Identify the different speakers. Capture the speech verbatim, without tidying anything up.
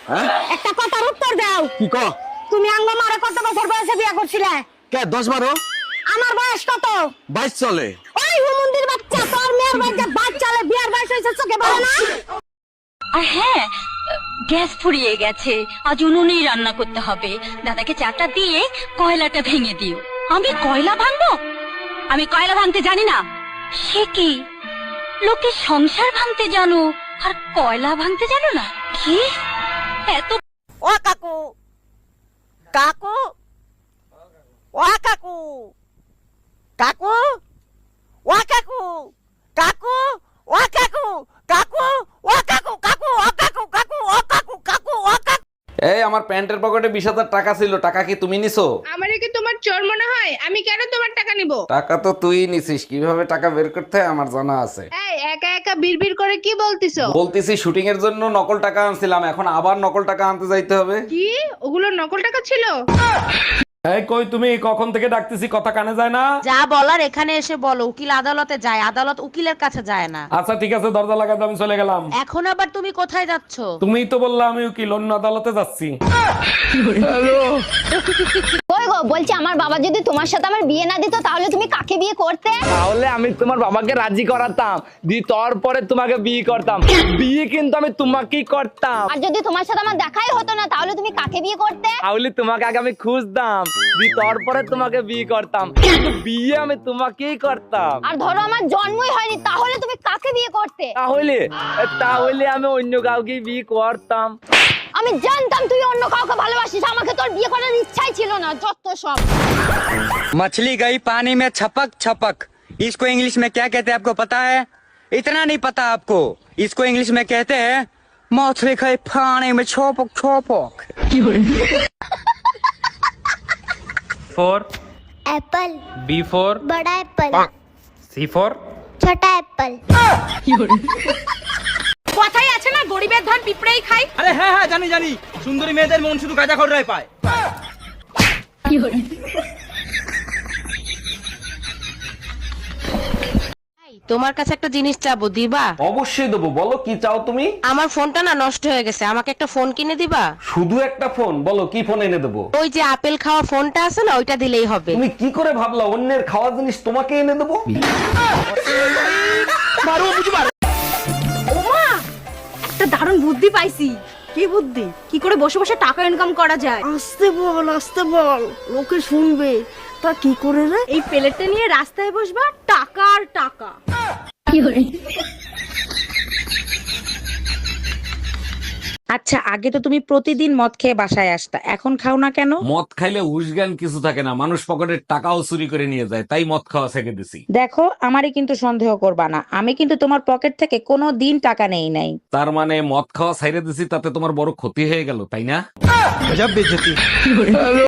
Speaker 1: হ্যাঁ
Speaker 2: একটা কথার উত্তর দাও।
Speaker 1: কি ক?
Speaker 2: তুমি আঙ্গ মারে কত বছর বয়সে বিয়ে করছিলে?
Speaker 1: কে দশ বারো?
Speaker 2: আমার বয়স কত?
Speaker 1: বাইশ চলে।
Speaker 2: ওই হুমুন্দির বাচ্চা, তোর মেয়ের বাচ্চা বাচ্চালে বিয়ার বয়স হয়েছে চোখে পড়ে না?
Speaker 3: আর হ্যাঁ, গ্যাস ফুরিয়ে গেছে, আজ উনুনেই রান্না করতে হবে। দাদাকে চাটা দিয়ে কয়লাটা ভেঙে দিও। আমি কয়লা ভাঙবো? আমি কয়লা ভাঙতে জানি না। সে কি, লোকে সংসার ভাঙতে জানো আর কয়লা ভাঙতে জানো না? কি এত?
Speaker 2: ও কাকু, কাকু, ও কাকু, কাকু, ও কাকু, কাকু, ও কাকু, কাকু, ও কাকু, কাকু, ও কাকু, কাকু, ও কাকু, কাকু, ও কাকু।
Speaker 4: এই আমার প্যান্টের পকেটে বিশ হাজার টাকা ছিল, টাকা কি তুমি নিছো?
Speaker 5: আমারে কি তোমার চোর মনে হয়? আমি কেন তোমার টাকা নিব?
Speaker 4: টাকা তো তুই নিছিস, কিভাবে টাকা বের করতে হয় আমার জানা আছে।
Speaker 5: এই একা একা বিড়বিড় করে কি বলতিছো?
Speaker 4: বলতেছি শুটিং এর জন্য নকল টাকা আনছিলাম, এখন আবার নকল টাকা আনতে যাইতে হবে।
Speaker 5: কি ওগুলো নকল টাকা ছিল?
Speaker 4: এই কই তুমি, কখন থেকে ডাকতেছি, কথা কানে যায় না?
Speaker 6: যা বলার এখানে এসে বলো। উকিল আদালতে যায়, আদালত উকিলের কাছে যায় না।
Speaker 4: আচ্ছা ঠিক আছে, দরজা লাগাতে আমি চলে গেলাম।
Speaker 6: এখন আবার তুমি কোথায় যাচ্ছ?
Speaker 4: তুমিই তো বললা আমি উকিল, অন্য আদালতে যাচ্ছি।
Speaker 7: কই গো, বলছি আমার বাবা যদি তোমার সাথে আমার বিয়ে না দিত তাহলে তুমি কাকে বিয়ে করতে?
Speaker 8: তাহলে আমি তোমার বাবাকে রাজি করাতাম, দি তারপরে তোমাকে বিয়ে করতাম। বিয়ে কিন্তু আমি তোমাকেই করতাম।
Speaker 7: আর যদি তোমার সাথে আমার দেখাই হতো না তাহলে তুমি কাকে বিয়ে করতে?
Speaker 8: তাহলে তোমাকে আগে আমি খুঁজতাম, দি তারপরে তোমাকে বিয়ে করতাম, কিন্তু বিয়ে আমি তোমাকেই করতাম।
Speaker 7: আর ধরো আমার জন্মই হয়নি তাহলে তুমি কাকে বিয়ে করতে?
Speaker 8: তাহলে তাহলে আমি অন্য কাউকে বিয়ে করতাম।
Speaker 7: আমি জানতাম তুই অন্য কাউকে ভালোবাসিস, আমাকে তোর বিয়ে করার ইচ্ছাই ছিল না। যত সব।
Speaker 9: मछली गई पानी में छपक छपक, इसको इंग्लिश में क्या कहते हैं आपको पता है? इतना नहीं पता आपको? इसको इंग्लिश में कहते हैं मछली गई पानी में छपक छपक।
Speaker 8: फोर
Speaker 7: एप्पल,
Speaker 8: बी फोर
Speaker 7: बड़ा एप्पल,
Speaker 8: सी फोर
Speaker 7: छोटा एप्पल।
Speaker 2: কথাই আছে না, গরিবের ধান পিঁপড়েই খায়।
Speaker 8: আরে হ্যাঁ হ্যাঁ জানি জানি, সুন্দরী মেয়েদের মন শুধু গাঁজা খড়রাই পায়।
Speaker 6: তোমার কাছে একটা জিনিস চাবো, দিবা?
Speaker 4: অবশ্যই দেবো, বলো কি চাও তুমি?
Speaker 6: আমার ফোনটা না নষ্ট হয়ে গেছে, আমাকে একটা ফোন কিনে দিবা?
Speaker 4: শুধু একটা ফোন? বলো কি ফোন এনে দেবো?
Speaker 6: ওই যে আপেল খাওয়া ফোনটা আছে না, ওইটা দিলেই হবে।
Speaker 4: তুমি কি করে ভাবলা অন্যের খাওয়া জিনিস তোমাকে এনে দেবো?
Speaker 2: একটা দারুণ বুদ্ধি পাইছি। কি বুদ্ধি? কি করে বসে বসে টাকা ইনকাম করা যায়?
Speaker 10: আস্তে বল, আস্তে বল, লোকে শুনবে। তা কি করে রে?
Speaker 2: এই প্লেটটা নিয়ে রাস্তায় বসবা, টাকা আর টাকা।
Speaker 6: আচ্ছা, আগে তো তুমি প্রতিদিন মদ খেয়ে বাসায় আসতা, এখন খাও না কেন?
Speaker 4: মদ খাইলে উসগান কিছু থাকে না, মানুষ পকেটের টাকাও চুরি করে নিয়ে যায়, তাই মদ খাওয়া ছেড়ে দিছি।
Speaker 6: দেখো, আমারই কিন্তু সন্দেহ করবা না, আমি কিন্তু তোমার পকেট থেকে কোনো দিন টাকা নেই নাই।
Speaker 4: তার মানে মদ খাওয়া ছাইড়ে দিছি, তাতে তোমার বড় ক্ষতি হয়ে গেল, তাই না?